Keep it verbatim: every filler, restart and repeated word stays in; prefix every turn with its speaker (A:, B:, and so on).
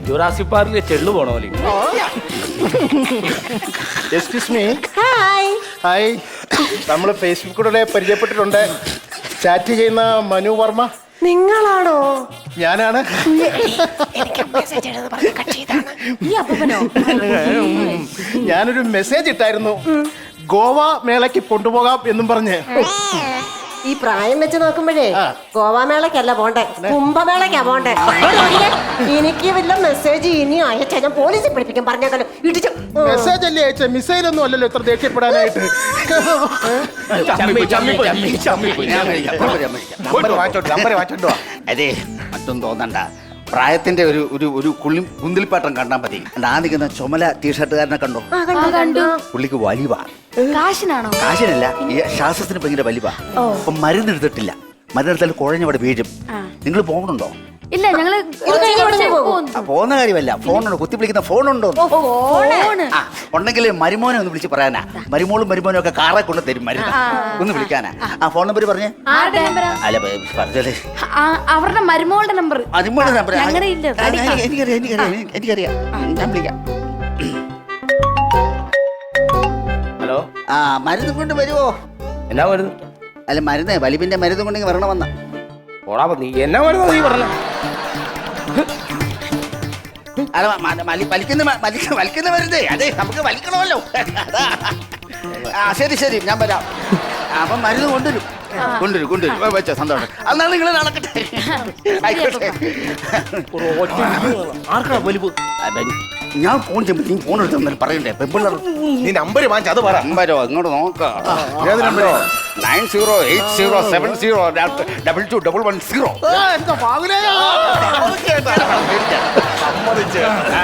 A: Jurassic പാർക്കിലെ ചെള്ളു പോണ പോലെ.
B: Excuse me.
C: ഹായ്.
B: ഹായ്. നമ്മൾ ഫേസ്ബുക്കിലൂടെ പരിചയപ്പെട്ടിട്ടുണ്ട്. ചാറ്റ് ചെയ്യുന്ന മനു വർമ്മ
C: നിങ്ങളാണോ?
B: ഞാനാണ്. ഞാനൊരു മെസ്സേജ് ഇട്ടായിരുന്നു, ഗോവ മേളയ്ക്ക് കൊണ്ടുപോകാം എന്നും പറഞ്ഞ്.
C: ഈ പ്രായം വെച്ച് നോക്കുമ്പോഴേ ഗോവ മേളക്കല്ല പോണ്ടേ, കുംഭമേളക്കാ പോണ്ടേ. എനിക്ക് വല്ല മെസ്സേജ് ഇനി അയച്ചാ ഞാൻ പോലീസിൽ പഠിപ്പിക്കും. പറഞ്ഞേക്കല്ലോ ഇടിച്ചു.
B: മെസ്സേജ് അല്ലേ അയച്ച, മിസൈൽ ഒന്നും അല്ലല്ലോ ഇത്ര ദേഷ്യപ്പെടാനായിട്ട്.
D: അതെ, മറ്റൊന്നും തോന്നണ്ട. പ്രായത്തിന്റെ ഒരു ഒരു ഒരു കുളി കുന്തിൽപ്പാട്ടം കണ്ടാൽ മതി. ആ നിൽക്കുന്ന ചുമല ടീഷർട്ടുകാരനെ കണ്ടോ?
E: കണ്ടു.
D: പുള്ളിക്ക് വലിവാ.
E: കാശിനാണോ?
D: കാശിനല്ല, ഈ ശ്വാസത്തിന് ഭയങ്കര വലിവാ. അപ്പൊ മരുന്നെടുത്തിട്ടില്ല. മരുന്നെടുത്താൽ കുഴഞ്ഞവിടെ വീഴും. നിങ്ങൾ പോകുന്നുണ്ടോ?
E: ഇല്ല, ഞങ്ങള്
D: പോകുന്ന കാര്യമല്ല, ഫോണുണ്ടോ? കുത്തി വിളിക്കുന്ന ഫോണുണ്ടോ? ആ ഉണ്ടെങ്കിൽ മരുമോനെ ഒന്ന് വിളിച്ച് പറയാനാ. മരുമോളും മരുമോനും ഒക്കെ കാറെ കൊണ്ട് തരും മരുന്ന്. ഒന്ന് വിളിക്കാനാ. ആ ഫോൺ നമ്പർ പറഞ്ഞേ. അല്ല പറഞ്ഞല്ലേ,
E: അവരുടെ മരുമോളുടെ നമ്പർ.
D: മരുമോളുടെ നമ്പർ
E: എനിക്കറിയാം,
D: എനിക്കറിയാം എനിക്കറിയാം ഞാൻ വിളിക്കാം.
A: ഹലോ,
D: ആ മരുന്ന് കൊണ്ട് വരുവോ?
A: എന്നാ മരുന്ന്?
D: അല്ല മരുന്ന്, വലിവിന്റെ മരുന്ന് കൊണ്ടെങ്കിൽ വരണമെന്ന.
A: ഓടാ, നീ എന്നാ മരുന്ന് നീ പറഞ്ഞ?
D: അല്ല വലിക്കുന്ന വലിക്കുന്ന മരുന്ന്. അതെ, നമുക്ക് വലിക്കണമല്ലോ. ആ ശരി ശരി, ഞാൻ വരാം. അപ്പം മരുന്ന് കൊണ്ടുവരും കൊണ്ടുവരും കൊണ്ടുവരും വെച്ചോ. സന്തോഷം. അന്നാണ് നിങ്ങൾ നടക്കട്ടെ. ആയിക്കോട്ടെ.
A: ആർക്കാ വലിവ്?
D: ഞാൻ ഫോൺ ചെയ്യുമ്പോൾ നീ ഫോൺ എടുത്ത് പറയണ്ടേ? പെമ്പിള്ളേർ
B: നീ നമ്പർ വാങ്ങിച്ച അത് പറ.
D: നമ്പരോ ഇങ്ങോട്ട് നോക്കാം. Nine zero eight zero seven zero double two double one zero.
B: എന്താ